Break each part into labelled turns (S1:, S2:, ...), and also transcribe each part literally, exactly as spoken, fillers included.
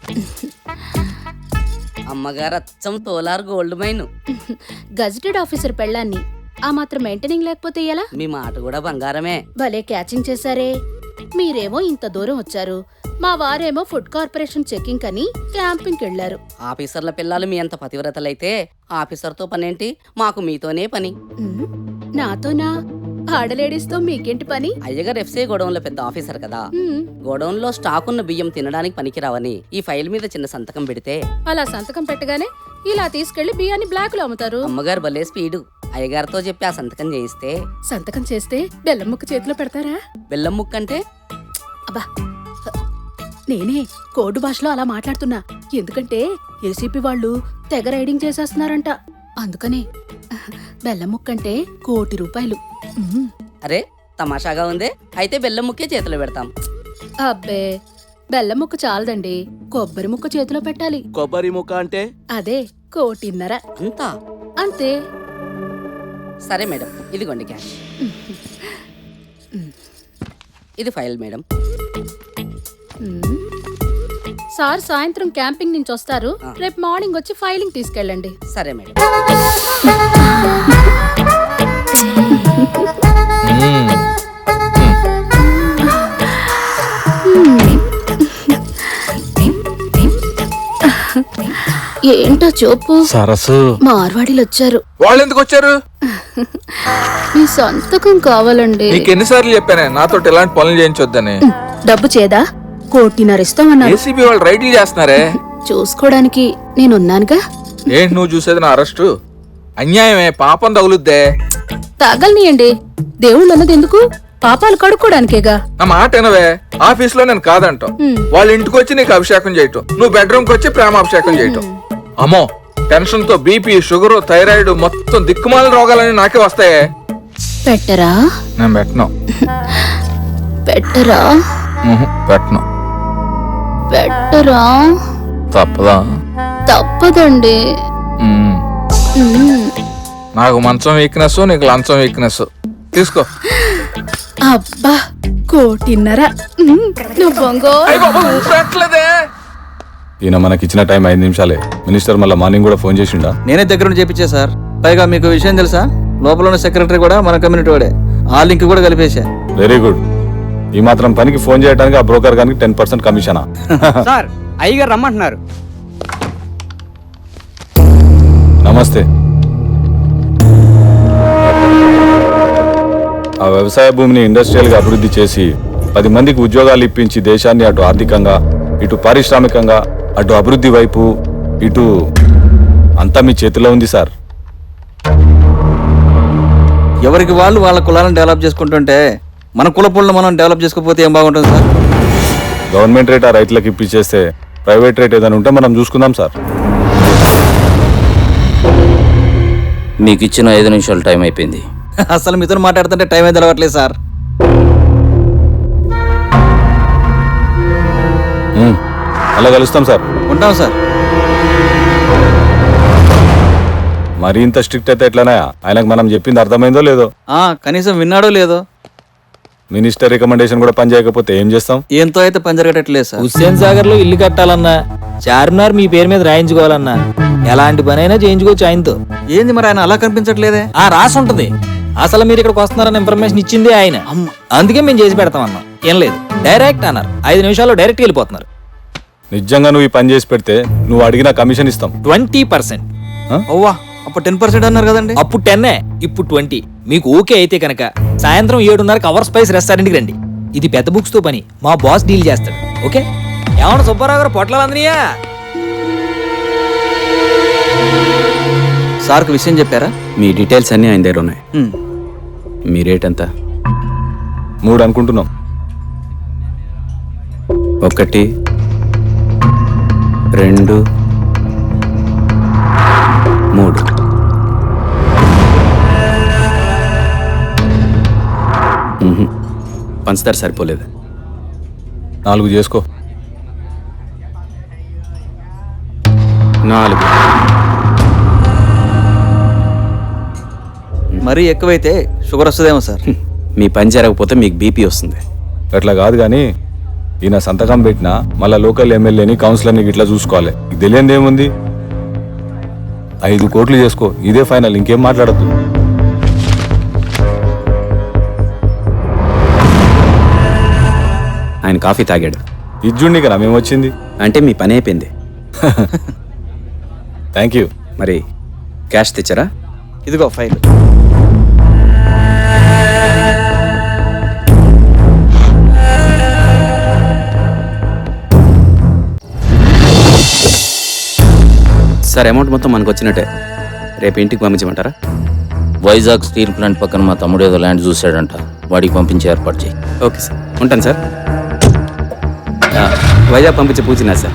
S1: అమ్మగారు అచ్చం Kolar gold mine.
S2: Gazetted officer పెళ్ళాన్ని ఆ మాత్రం మెయింటెనింగ్ లేకపోతే ఎలా?
S1: మీ మాట కూడా బంగారమే.
S2: భలే క్యాచింగ్ చేశారే. మీరేమో ఇంత దూరం వచ్చారు, మా వారేమో ఫుడ్ కార్పొరేషన్ చెకింగ్ అని క్యాంపింగ్కి వెళ్లారు.
S1: ఆఫీసర్ల పిల్లలు మీ అంత పతివ్రతలైతే ఆఫీసర్తో పనేంటి? మాకు మీతోనే పని.
S2: ఉమ్, నాతోనా? ఆడలేడీస్ తో మీకేంటి పని?
S1: అయ్యగారు ఎఫ్సీ గోడౌన్లో పెద్ద ఆఫీసర్ కదా,
S2: ఉమ్,
S1: గోడౌన్ లో స్టాక్ ఉన్న బియ్యం తినడానికి పనికిరావని ఈ ఫైల్ మీద చిన్న సంతకం పెడితే
S2: అలా సంతకం పెట్టగానే ఇలా తీసుకెళ్లి బియ్యాన్ని బ్లాక్ లో అమ్ముతారు.
S1: అమ్మగారు భలే స్పీడు. అయ్యగారితో చెప్పి ఆ సంతకం చేయిస్తే
S2: సంతకం చేస్తే బెల్లం ముక్క చేతిలో పెడతారా?
S1: బెల్లం ముక్క అంటే?
S2: అబ్బా, నేనే కోడ్ భాషలో అలా మాట్లాడుతున్నా. ఎందుకంటే ఏసీపీ వాళ్ళు తెగ రైడింగ్ చేసేస్తున్నారంట. అందుకనే బెల్లం ముక్క అంటే కోటి రూపాయలు. ఉమ్.
S1: అరే తమాషాగా ఉందే. అయితే బెల్లం ముక్కే చేతిలో పెడతాం.
S2: అబ్బే, బెల్లం ముక్క చాలదండి, కొబ్బరి ముక్క చేతిలో పెట్టాలి.
S3: కొబ్బరి ముక్క అంటే?
S2: అదే కోటిన్నర.
S1: అంతా?
S2: అంతే.
S1: సరే మేడం, ఇదిగోండి క్యాష్. ఇది ఫైల్ మేడం.
S2: ఉమ్. సార్ సాయంత్రం క్యాంపింగ్ నుంచి వస్తారు,
S1: ఆ.
S2: రేపు మార్నింగ్ వచ్చి ఫైలింగ్ తీసుకెళ్ళండి.
S1: సరే మేడం.
S2: ఏంటో చూపు.
S3: సరస్సు
S2: మార్వాడీలు వచ్చారు.
S3: వాళ్ళు ఎందుకు వచ్చారు?
S2: మీ సంతకం కావాలండి.
S3: నీకు ఎన్నిసార్లు చెప్పానే నాతో ఎలాంటి పనులు చేయించొద్దని?
S2: డబ్బు చేదా? కోటిన్నర ఇస్తామన్నారు.
S3: ఏసీబీ వాళ్ళు రైడ్లు చేస్తున్నారే.
S2: చూసుకోవడానికి నేనున్నానుగా.
S3: ఏంటి నువ్వు చూసేది? నా అరెస్టు అన్యాయమే, పాపం తగులుద్దే.
S2: తగలనియండి, దేవుళ్ళు అన్నది ఎందుకు? పాపాలు కడుక్కోడానికేగా.
S3: నా మాట వినవే. ఆఫీస్ లో నేను కాదంటాం, వాళ్ళ ఇంటికి వచ్చి నీకు అభిషేకం చేయటం, నువ్వు బెడ్రూమ్ కి వచ్చి ప్రేమాభిషేకం చేయటం. అమ్మో, టెన్షన్ తో బీపీ, షుగర్, థైరాయిడ్ మొత్తం దిక్కుమాల రోగాలని నాకే వస్తాయే.
S2: పెట్టరా?
S3: నేను పెట్టను.
S2: పెట్టరా?
S3: పెట్టను.
S2: పెట్టరా?
S3: తప్పదా?
S2: తప్పదండి.
S3: ఉమ్.
S2: ఉమ్.
S3: నాకు మంచం వీక్నెస్, నీకు లంచం వీక్నెస్. తీసుకో.
S2: అబ్బా, కోటిన్నర. ఉమ్, నువ్వు బొంగో.
S3: పెట్టలేదే.
S4: ఈయన మనకి ఇచ్చిన టైం ఐదు నిమిషాలే. మినిస్టర్ మళ్ళీ మార్నింగ్ కూడా ఫోన్ చేసిండా?
S5: నేనే దగ్గర నుండి చేపించా సార్. పైగా మీకు విషయం తెలుసా, లోపల ఉన్న సెక్రటరీ కూడా మన కమ్యూనిటీ వాడే. ఆ లింక్ కూడా కలిపేశా.
S4: Very good. ఈ మాత్రం పనికి ఫోన్ చేయడానికి ఆ బ్రోకర్ గానికి టెన్ పర్సెంట్ కమిషనా?
S6: సార్ అయ్యగారు రమ్మంటున్నారు.
S4: నమస్తే. ఆ వ్యవసాయ భూమిని ఇండస్ట్రియల్ గా అభివృద్ధి చేసి పది మందికి ఉద్యోగాలు ఇప్పించి దేశాన్ని అటు ఆర్థికంగా, ఇటు పారిశ్రామికంగా, అటు అభివృద్ధి వైపు, ఇటు అంతా మీ చేతిలో ఉంది సార్.
S5: ఎవరికి వాళ్ళు వాళ్ళ కులాలను డెవలప్ చేసుకుంటుంటే మన కులపులను మనం డెవలప్ చేసుకోకపోతే ఏం బాగుంటుంది సార్?
S4: గవర్నమెంట్ రేట్ ఆ రైతులకు ఇప్పించేస్తే ప్రైవేట్ రేట్ ఏదైనా ఉంటే మనం చూసుకుందాం సార్.
S7: మీకు ఇచ్చిన ఐదు నిమిషాలు టైం అయిపోయింది.
S5: అసలు మీతో మాట్లాడుతుంటే టైం అయితే తెలవట్లేదు సార్.
S4: ఉమ్, అలా కలుస్తాం సార్.
S5: ఉంటాం సార్.
S4: మరీ ఇంత స్ట్రిక్ట్ అయితే ఎట్లానా? ఆయనకు మనం చెప్పింది అర్థమైందో లేదో?
S5: ఆ కనీసం విన్నాడో లేదో?
S4: మినిస్టర్ రికమెండేషన్ కూడా పని చేయకపోతే ఏం చేస్తాం?
S5: ఏంతో అయితే పని జరగట్లేదు సార్.
S8: హుస్సేన్ సాగర్ లో ఇల్లు కట్టాలన్నా, చార్మినార్ మీ పేరు మీద రాయించుకోవాలన్నా ఎలాంటి పనైనా చేయించుకోవచ్చు ఆయనతో.
S5: ఏంది మరి ఆయన అలా కనిపించట్లేదే?
S8: ఆ రాసి ఉంటది. అసలు మీరు ఇక్కడికి వస్తున్నారన్న ఇన్ఫర్మేషన్ ఇచ్చింది ఆయన. అందుకే మేము చేసి పెడతాం అన్నాం. ఏం లేదు, డైరెక్ట్ అన్నారు. ఐదు నిమిషాల్లో డైరెక్ట్ వెళ్ళిపోతున్నారు.
S4: నిజంగా నువ్వు ఈ పని చేసి పెడితే నువ్వు అడిగిన కమిషన్ ఇస్తాం.
S8: Twenty percent.
S5: ఓవా, అప్పుడు టెన్ పర్సెంట్ అన్నారు కదండి.
S8: అప్పుడు టెన్నే, ఇప్పుడు ట్వంటీ. మీకు ఓకే అయితే కనుక సాయంత్రం ఏడున్నరకు అవర్ స్పైస్ రెస్టారెంట్కి రండి. ఇది పెద్ద బుక్స్ తో పని, మా బాస్ డీల్ చేస్తాడు. ఓకే? ఏమన్నా సుబ్బారావు గారు పొట్లాలు అందనియా?
S5: సార్కు విషయం చెప్పారా?
S7: మీ డీటెయిల్స్ అన్నీ ఆయన దగ్గర ఉన్నాయి.
S5: ఉమ్.
S7: మీ రేట్ ఎంత?
S4: మూడు అనుకుంటున్నాం.
S7: ఒకటి, రెండు, మూడు. మ్మ్హ. పంచదార సరిపోలేదు.
S4: నాలుగు చేసుకో.
S7: నాలుగు.
S5: మరీ ఎక్కువైతే షుగర్ వస్తుందేమో సార్.
S7: మీ పని జరగకపోతే మీకు బీపీ వస్తుంది.
S4: అట్లా కాదు కానీ ఈయన సంతకం పెట్టినా మళ్ళా లోకల్ ఎమ్మెల్యేని కౌన్సిలర్ని ఇట్లా చూసుకోవాలి ఇది తెలియంది ఏముంది ఐదు కోట్లు చేసుకో ఇదే ఫైనల్ ఇంకేం మాట్లాడద్దు
S9: ఆయన కాఫీ తాగాడు
S4: ఇజ్జుండి కదా మేము వచ్చింది
S9: అంటే మీ పని అయిపోయింది.
S4: Thank you.
S9: మరి క్యాష్ తెచ్చారా?
S5: ఇదిగో ఫైల్.
S9: సార్ అమౌంట్ మొత్తం మనకు వచ్చినట్టే. రేపు ఇంటికి పంపించమంటారా?
S7: వైజాగ్ స్టీల్ ప్లాంట్ పక్కన మా తమ్ముడు ఏదో ల్యాండ్ చూశాడంట, వాడికి పంపించి ఏర్పాటు చేయి.
S9: ఓకే సార్, ఉంటాను సార్. ఆ, వైజాగ్ పంపించే పూచినా సార్.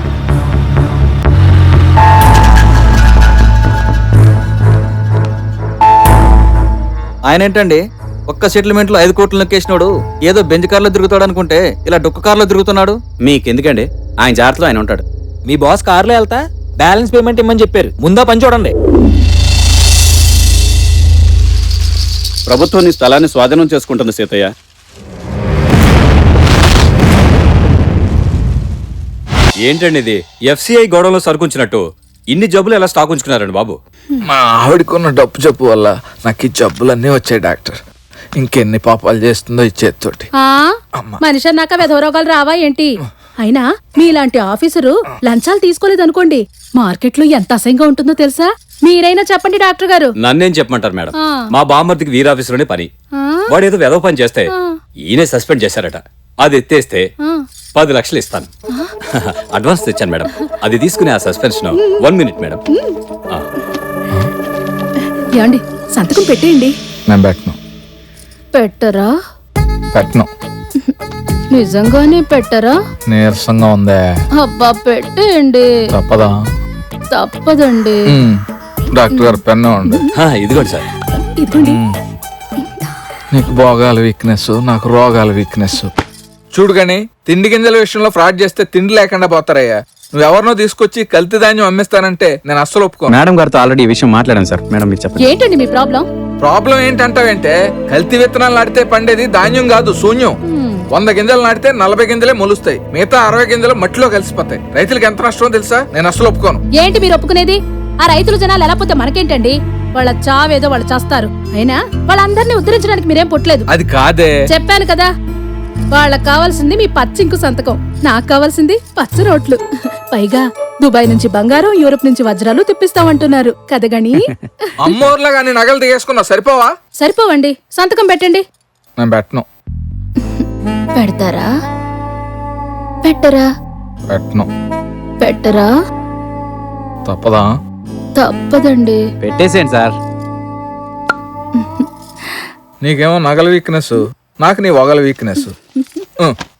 S5: ఆయన ఏంటండి ఒక్క సెటిల్మెంట్ లో ఐదు కోట్లు నొక్కేసినాడు ఏదో బెంచ్ కార్లో తిరుగుతాడు అనుకుంటే ఇలా డొక్క కార్లో తిరుగుతున్నాడు.
S9: మీకెందుకండి, ఆయన జాగ్రత్తలో ఆయన ఉంటాడు.
S8: మీ బాస్ కారులో వెళ్తా బ్యాలెన్స్ పేమెంట్ ఇమ్మని చెప్పారు, ముందా పని చూడండి.
S9: ప్రభుత్వం నీ స్థలాన్ని స్వాధీనం చేసుకుంటుంది సీతయ్య.
S10: ఏంటండి ఇది? ఎఫ్సిఐ గోడంలో సరుకుంచినట్టు ఇన్ని జబ్బులు ఎలా స్టాక్ ఉంచుకున్నారండి బాబు?
S3: మా ఆవిడకున్న డబ్బు జబ్బు వల్ల నాకు ఈ జబ్బులన్నీ వచ్చాయి డాక్టర్. ఇంకెన్ని పాపాలు చేస్తుందో ఈ చేతితోటి.
S2: ఆ మనిషి అన్నాక వెధవరోగాలు రావా ఏంటి? అయినా మీలాంటి ఆఫీసరు లంచాలు తీసుకోలేదనుకోండి, మార్కెట్లో ఎంత అసహ్యంగా ఉంటుందో తెలుసా? మీరైనా చెప్పండి డాక్టర్ గారు.
S10: నన్నేం చెప్పమంటారు మేడం,
S2: ఆ.
S10: మా బామ్మర్దికి వీరాఫీసులోనే పని.
S2: ఆ?
S10: వాడు ఏదో వెదవ పని చేస్తే
S2: ఆ.
S10: ఈయనే సస్పెండ్ చేశారట. అది ఎత్తేస్తే
S2: ఆ.
S10: పది లక్షలు ఇస్తాను. అడ్వాన్స్ తెచ్చాను మేడం, అది తీసుకునే ఆ సస్పెన్షన్. One minute madam. ఆ.
S2: ఏమండి సంతకం పెట్టేయండి.
S3: నేను పెట్టను
S2: పెట్టరా?
S3: పెట్టను
S2: నిజంగానే పెట్టరా?
S3: నీరసంగా ఉందే.
S2: అబ్బా పెట్టేయండి.
S3: తప్పదా?
S2: తప్పదండి.
S3: ఉమ్, డాక్టర్ గారు పెన్ను ఉండే.
S10: ఆ, ఇదిగోండి సార్.
S2: ఇదిగోండి.
S3: నీకు భోగాల వీక్నెస్, నాకు రోగాల వీక్నెస్. చూడు గాని తిండి గింజల విషయంలో ఫ్రాడ్ చేస్తే తిండి లేకుండా పోతారయ్యా. నువ్వెవరినో తీసుకొచ్చి కల్తీ ధాన్యం అమ్మేస్తానంటే నేను అస్సలు ఒప్పుకోను.
S9: మేడం గారితో ఆల్రెడీ ఈ విషయం మాట్లాడాను సార్. మేడం మీరు చెప్పండి.
S2: ఏంటండి మీ ప్రాబ్లం?
S3: ప్రాబ్లం ఏంటంటావేంటే, కల్తీ విత్తనాలు నాటితే పండేది ధాన్యం కాదు, శూన్యం. వంద గింజలు నాటితే నలభై గింజలే మొలుస్తాయి, మిగతా అరవై గింజలు మట్టిలో కలిసిపోతాయి. రైతులకు ఎంత నష్టం తెలుసా? నేను అస్సలు ఒప్పుకోను.
S2: ఏంటి మీరు ఒప్పుకునేది? ఆ రైతులు జనాలు ఎలా పోతే మనకేంటండి? వాళ్ళ చావేదో వాళ్ళు చేస్తారు. అయినా వాళ్ళందరినీ ఉద్ధరించడానికి మీరేం పుట్టలేదు.
S3: అది కాదే.
S2: చెప్పాను కదా, వాళ్ళకి కావాల్సింది మీ పచ్చింకు సంతకం, నాకు కావాల్సింది పచ్చ రోట్లు. పైగా దుబాయ్ నుంచి బంగారం, యూరోప్ నుంచి వజ్రాలు తెప్పిస్తామంటున్నారు కదగని.
S3: అమ్మోర్లా గాని నగలు తీసేసుకున్నావు, సరిపోవా?
S2: సరిపోవండి, సంతకం పెట్టండి.
S3: నేను పెట్టను.
S2: పెడతారా? పెట్టరా?
S3: పెట్టను.
S2: పెట్టరా?
S3: తప్పదా?
S2: తప్పదండి.
S9: పెట్టేసేయండి సార్.
S3: నీకేమో నగల వీక్నెస్, నాకు నీ వగల వీక్నెస్.